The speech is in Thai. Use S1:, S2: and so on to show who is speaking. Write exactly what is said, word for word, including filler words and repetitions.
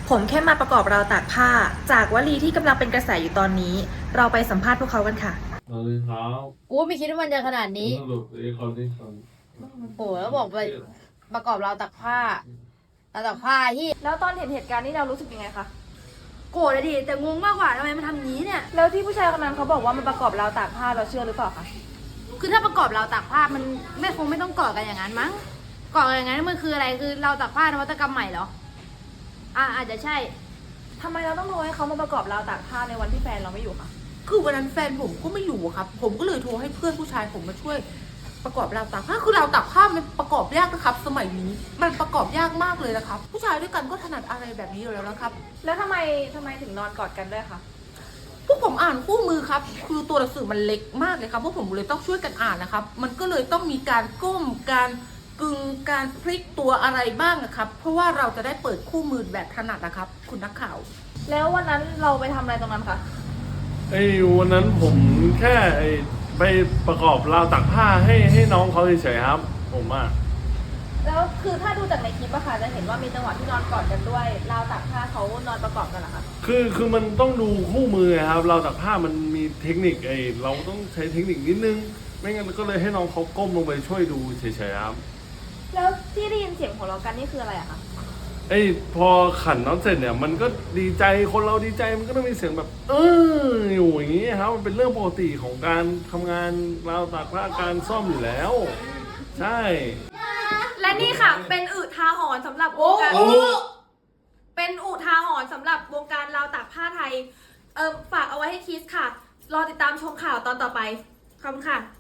S1: ผมแค่มาประกอบราวตากผ้าจากวลีที่กำลังเป็นกระแสอยู่ตอนนี้ เราไปสัมภาษณ์พวกเขากันค่ะ
S2: สวัสดีครับ
S3: กูไม่คิดว่ามันจะขนาดนี้
S2: สรุปไอ้คนที่คน
S3: โหแล้วบอกไปประกอบราวตักผ้าราวตักผ้าที่
S1: แล้วตอนเห็นเหตุการณ์นี้เรารู้สึกยังไงคะ
S4: โกรธเลยดิแต่งงมากกว่าทำไมมันทำอย่างนี้เนี่ย
S1: แล้วที่ผู้ชายคนนั้นเขาบอกว่ามันประกอบราวตากผ้าเราเชื่อหรือเปล่าคะ
S4: คือถ้าประกอบราวตากผ้ามันไม่คงไม่ต้องก่อกันอย่างนั้นมั้งก่อกันอย่างนั้นมันคืออะไรคือราวตากผ้านวัตกรรมใหม่เหรออ่ะอาจจะใช่
S1: ทำไมเราต้องรอให้เขามาประกอบราวตากผ้าในวันที่แฟนเราไม่อยู่คะ
S5: คือวันนั้นแฟนผมก็ไม่อยู่ครับ ผมก็เลยโทรให้เพื่อนผู้ชายผมมาช่วยประกอบราวตากผ้าคือราวตากผ้ามันประกอบยากนะครับ สมัยนี้มันประกอบยากมากเลยนะครับ ผู้ชายด้วยกันก็ถนัดอะไรแบบนี้อยู่แล้วนะครับ
S1: แล้วทำไมทำไมถึงนอนกอดกันด้วยคะ
S5: พวกผมอ่านคู่มือครับ คือตัวหนังสือมันเล็กมากเลยครับพวกผมเลยต้องช่วยกันอ่านนะครับ มันก็เลยต้องมีการก้มการกึงการพลิกตัวอะไรบ้างนะครับ เพราะว่าเราจะได้เปิดคู่มือแบบถนัดนะครับ คุณนักข่าว
S1: แล้ววันนั้นเราไปทำอะไรตรงนั้นคะ
S2: ไอ้วันนั้นผมแค่ไอ้ไปประกอบราวตักผ้าให้ให้น้องเขาเฉยๆครับ ผมอ่ะ
S1: แล้วคือถ้าดูจากในคลิปอะค่ะจะเห็นว่ามีจังหวะที่นอนกอดกันด้วยราวตากผ้าเขานอนประกอบกันเหรอคะ
S2: คือคือมันต้องดูคู่มือครับราวตักผ้ามันมีเทคนิคไอ้เราต้องใช้เทคนิคนิดนึง ไม่งั้นก็เลยให้น้องเขาก้มลงไปช่วยดูเฉยๆครับ
S1: แล้วที่ได้ยินเสียงหัวเราะกันนี่คืออะไรอะคะ
S2: ไอ้พอขันน้ำเสร็จเนี่ยมันก็ดีใจคนเราดีใจมันก็ต้องมีเสียงแบบ เอออยู่อย่างนี้ครับมันเป็นเรื่องปกติของการทำงานราวตากผ้าการซ่อมอยู่แล้ว ใช่
S4: และนี่ค่ะเป็นอุทาหรณ์สำหรับวงการเป็นอุทาหรณ์สำหรับวงการราวตากผ้าไทยเออฝากเอาไว้ให้คิดค่ะ รอติดตามชมข่าวตอนต่อไปขอบคุณค่ะ